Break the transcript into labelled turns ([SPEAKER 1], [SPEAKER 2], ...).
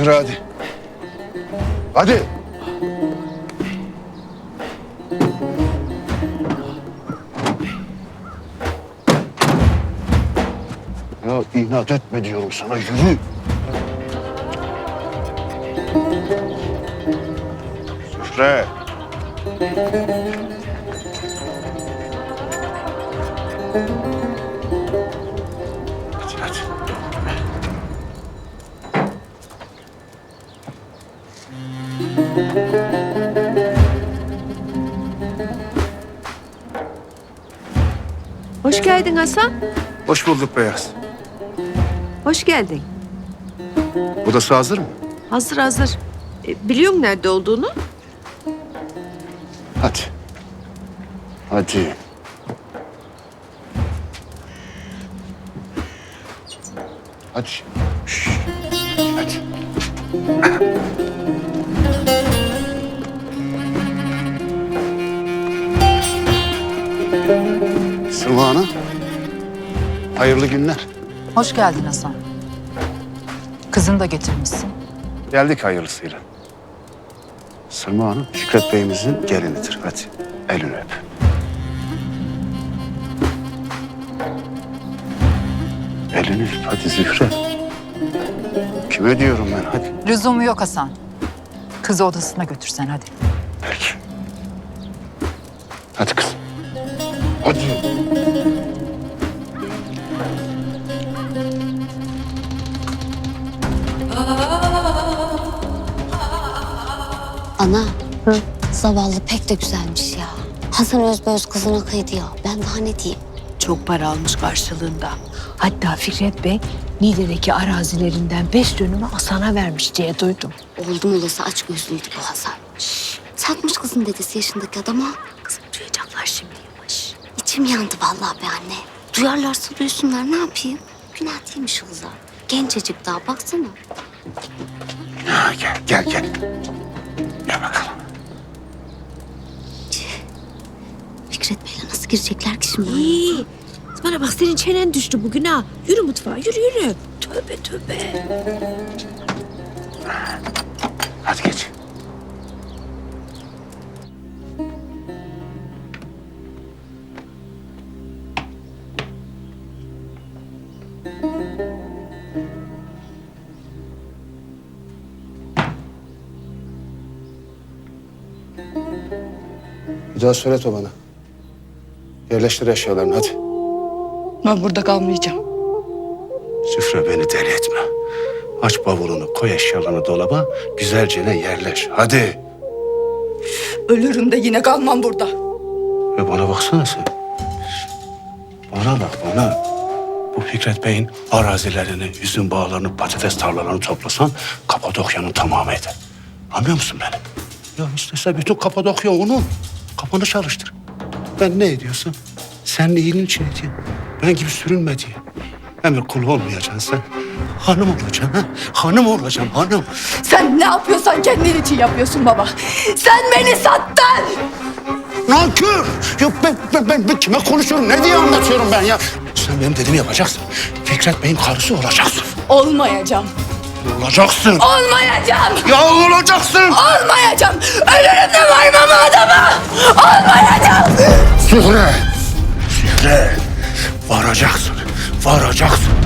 [SPEAKER 1] Zühre hadi. Hadi. Ya inat etme diyorum sana, yürü. Zühre. Hadi hadi.
[SPEAKER 2] Hoş geldin Hasan.
[SPEAKER 1] Hoş bulduk Beyaz.
[SPEAKER 2] Hoş geldin.
[SPEAKER 1] Odası hazır mı?
[SPEAKER 2] Hazır hazır. Biliyor musun nerede olduğunu?
[SPEAKER 1] Hadi. Hadi. Hadi. Şşş. Hadi. Sıvı Hanım. Hayırlı günler.
[SPEAKER 3] Hoş geldin Hasan. Kızını da getirmişsin.
[SPEAKER 1] Geldik hayırlısıyla. Sırma Hanım, Fikret Bey'imizin gelinidir. Hadi, elini öp. Elini öp, hadi Zühre. Kime diyorum ben, hadi.
[SPEAKER 3] Lüzumu yok Hasan. Kızı odasına götürsen hadi.
[SPEAKER 1] Peki. Hadi kızım. Hadi.
[SPEAKER 4] Ana, zavallı pek de güzelmiş ya. Hasan Özböz kızına kıydı ya. Ben daha ne diyeyim?
[SPEAKER 5] Çok para almış karşılığında. Hatta Fikret Bey Niğde'deki arazilerinden 5 dönümü Hasan'a vermiş diye duydum.
[SPEAKER 4] Oldum olası aç gözlüydü bu Hasan. Satmış kızın dedesi yaşındaki adama.
[SPEAKER 5] Kızım duyacaklar şimdi yavaş.
[SPEAKER 4] İçim yandı vallahi be anne. Duyarlarsa duysunlar, ne yapayım? Günah değilmiş kızlar. Gencecik daha, baksana.
[SPEAKER 1] Ha, gel. Gel bakalım.
[SPEAKER 4] Fikret Bey'le nasıl girecekler ki şimdi?
[SPEAKER 5] İyi. Bana bak senin çenen düştü bugün ha. Yürü mutfağa yürü. Tövbe.
[SPEAKER 1] Hadi geç. Bir daha söyle bana. Yerleştir eşyalarını hadi.
[SPEAKER 6] Ben burada kalmayacağım.
[SPEAKER 1] Süfre beni deli etme. Aç bavulunu, koy eşyalarını dolaba, güzelce yerleş. Hadi.
[SPEAKER 6] Ölürüm de yine kalmam burada.
[SPEAKER 1] Ve bana baksana sen. Bana bak bana. Bu Fikret Bey'in arazilerini, üzüm bağlarını, patates tarlalarını toplasan Kapadokya'nın tamamı eder. Anlıyor musun beni? Ya istese bütün Kapadokya onun. Kafanı çalıştır. Ben ne ediyorsam senin iyiliğin için edeyim. Ben gibi sürünme diye. Emir kulu olmayacaksın sen. Hanım olacaksın ha. Hanım olacaksın hanım.
[SPEAKER 6] Sen ne yapıyorsan kendin için yapıyorsun baba. Sen beni sattın.
[SPEAKER 1] Nankör! Ya ben kime konuşuyorum? Ne diye anlatıyorum ben ya? Sen benim dediğimi yapacaksın. Fikret Bey'in karısı olacaksın.
[SPEAKER 6] Olmayacağım.
[SPEAKER 1] Olacaksın.
[SPEAKER 6] Olmayacağım.
[SPEAKER 1] Ya olacaksın.
[SPEAKER 6] Olmayacağım. Ölürüm de varmam adama. Olmayacağım.
[SPEAKER 1] Zühre. Varacaksın.